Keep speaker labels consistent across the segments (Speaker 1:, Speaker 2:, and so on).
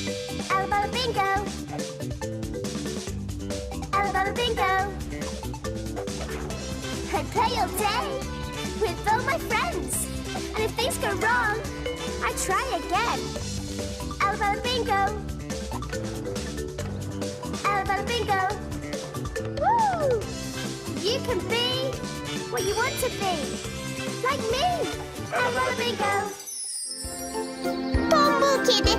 Speaker 1: Alabama bingo. Alabama bingo. I play all day with all my friends. And if things go wrong, I try again. Alabama bingo. Alabama bingo. Woo! You can be what you want to be. Like me. Alabama bingo. Tombul kedi.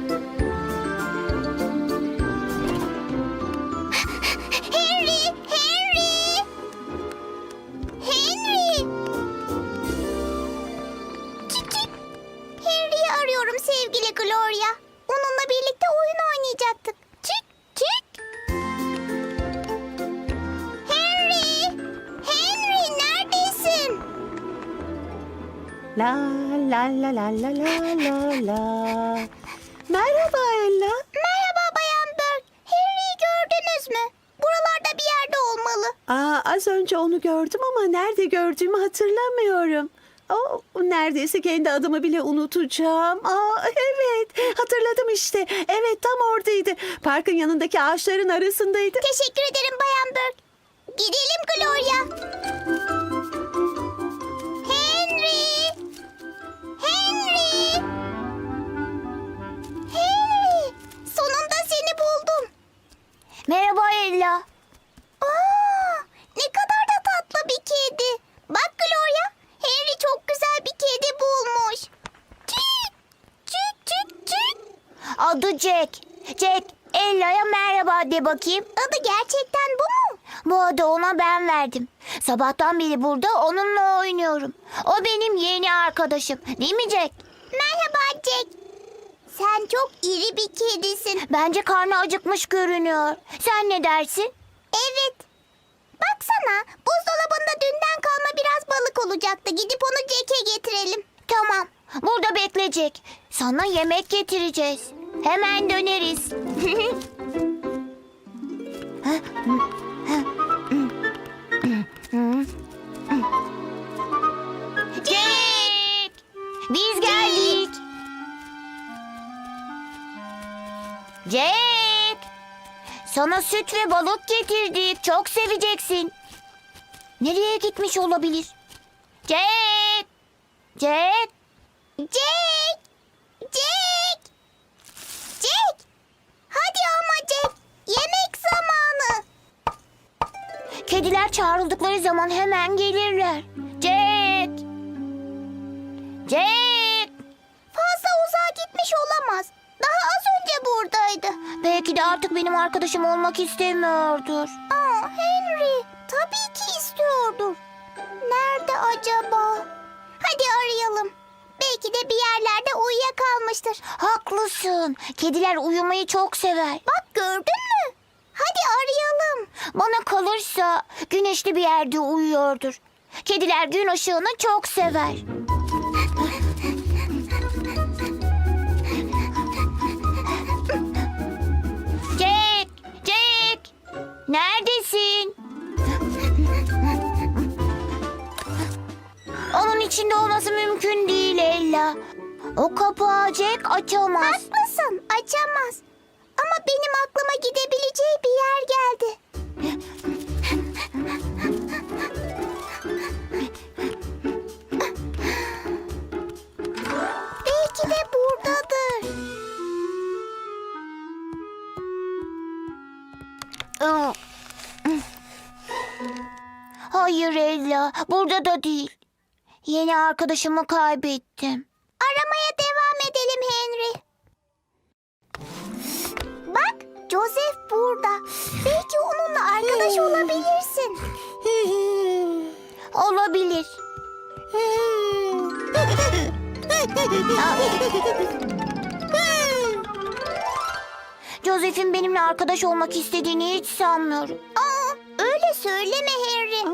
Speaker 1: Henry! Henry! Henry! Çık çık. Henry'yi arıyorum sevgili Gloria. Onunla birlikte oyun oynayacaktık. Çık çık. Henry! Henry neredesin?
Speaker 2: La la la la la la la la. Merhaba Ella.
Speaker 1: Merhaba Bayan Burke. Henry'yi gördünüz mü? Buralarda bir yerde olmalı.
Speaker 2: Az önce onu gördüm ama nerede gördüğümü hatırlamıyorum. Neredeyse kendi adımı bile unutacağım. Evet, hatırladım işte. Evet, tam oradaydı. Parkın yanındaki ağaçların arasındaydı.
Speaker 1: Teşekkür ederim Bayan Burke. Gidelim Gloria. Henry! Henry! Henry! Sonunda seni buldum. Merhaba Ella. Ne kadar da tatlı bir kedi. Bak Gloria, Henry çok güzel bir kedi bulmuş. Çık! Çık çık çık. Adı Jack. Jack, Ella'ya merhaba de bakayım. Adı gerçekten bu mu? Bu adı ona ben verdim. Sabahtan beri burada onunla oynuyorum. O benim yeni arkadaşım. Değil mi Jack? Merhaba Jack. Sen çok iri bir kedisin. Bence karnı acıkmış görünüyor. Sen ne dersin? Evet. Baksana, buzdolabında dünden kalma biraz balık olacaktı. Gidip onu Jack'e getirelim. Tamam, burada bekleyecek. Sana yemek getireceğiz. Hemen döneriz. Jack! Biz geldik. Jack! Sana süt ve balık getirdik. Çok seveceksin. Nereye gitmiş olabilir? Jack! Jack! Jack! Jack! Jack! Hadi ama Jack! Yemek zamanı! Kediler çağrıldıkları zaman hemen gelirler. Jack! Jack! Fazla uzağa gitmiş olamaz. Daha az önce buradaydı. Belki de artık benim arkadaşım olmak istemiyordur. Henry, tabii ki istiyordur. Nerede acaba? Hadi arayalım. Belki de bir yerlerde uyuyakalmıştır. Haklısın. Kediler uyumayı çok sever. Bak gördün mü? Hadi arayalım. Bana kalırsa güneşli bir yerde uyuyordur. Kediler gün ışığını çok sever. Jack! Jack! Neredesin? Onun içinde olması mümkün değil Ella. O kapağı Jack açamaz. Haklısın, açamaz. Ama benim aklıma gidebileceği bir yer geldi. Belki de buradadır. Hayır Ella, burada da değil. Yeni arkadaşımı kaybettim. Aramaya devam edelim Henry. Bak, Joseph burada. Belki onunla arkadaş olabilirsin. Olabilir. Joseph'in benimle arkadaş olmak istediğini hiç sanmıyorum. Öyle söyleme Henry.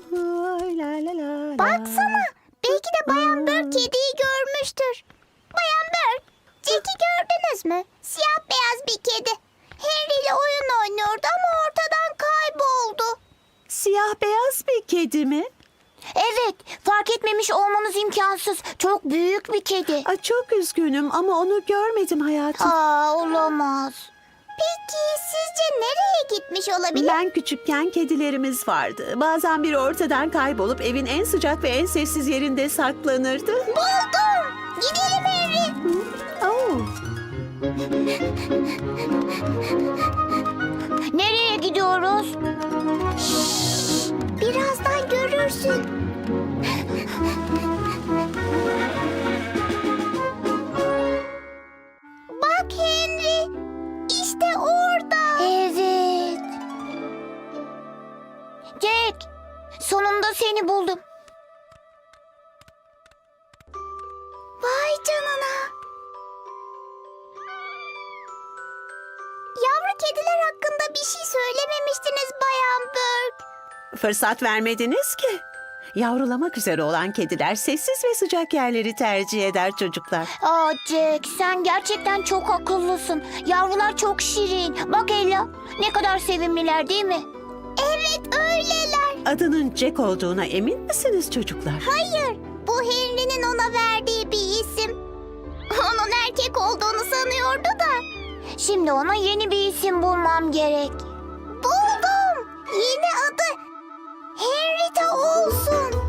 Speaker 1: Baksana, belki de Bayan Burke kediyi görmüştür. Bayan Burke, Jack'i gördünüz mü? Siyah beyaz bir kedi. Henry ile oyun oynuyordu ama ortadan kayboldu.
Speaker 2: Siyah beyaz bir kedi mi?
Speaker 1: Evet, Fark etmemiş olmanız imkansız. Çok büyük bir kedi.
Speaker 2: Ay, çok üzgünüm ama onu görmedim hayatım.
Speaker 1: Olamaz. Peki sizce nereye gitmiş olabilir?
Speaker 2: Ben küçükken kedilerimiz vardı. Bazen biri ortadan kaybolup evin en sıcak ve en sessiz yerinde saklanırdı.
Speaker 1: Buldum. Gidelim Henry.
Speaker 2: Oh.
Speaker 1: Nereye gidiyoruz? Şşş, birazdan görürsün. Bak Henry. İşte orada. Evet. Jack, sonunda seni buldum. Vay canına. Yavru kediler hakkında bir şey söylememiştiniz Bayan Burke.
Speaker 2: Fırsat vermediniz ki. Yavrulamak üzere olan kediler sessiz ve sıcak yerleri tercih eder çocuklar.
Speaker 1: Jack, sen gerçekten çok akıllısın. Yavrular çok şirin. Bak Ella, ne kadar sevimliler değil mi? Evet, öyleler.
Speaker 2: Adının Jack olduğuna emin misiniz çocuklar?
Speaker 1: Hayır, bu Henry'nin ona verdiği bir isim. Onun erkek olduğunu sanıyordu da. Şimdi ona yeni bir isim bulmam gerek. Buldum. Yeni adı Henrietta olsun.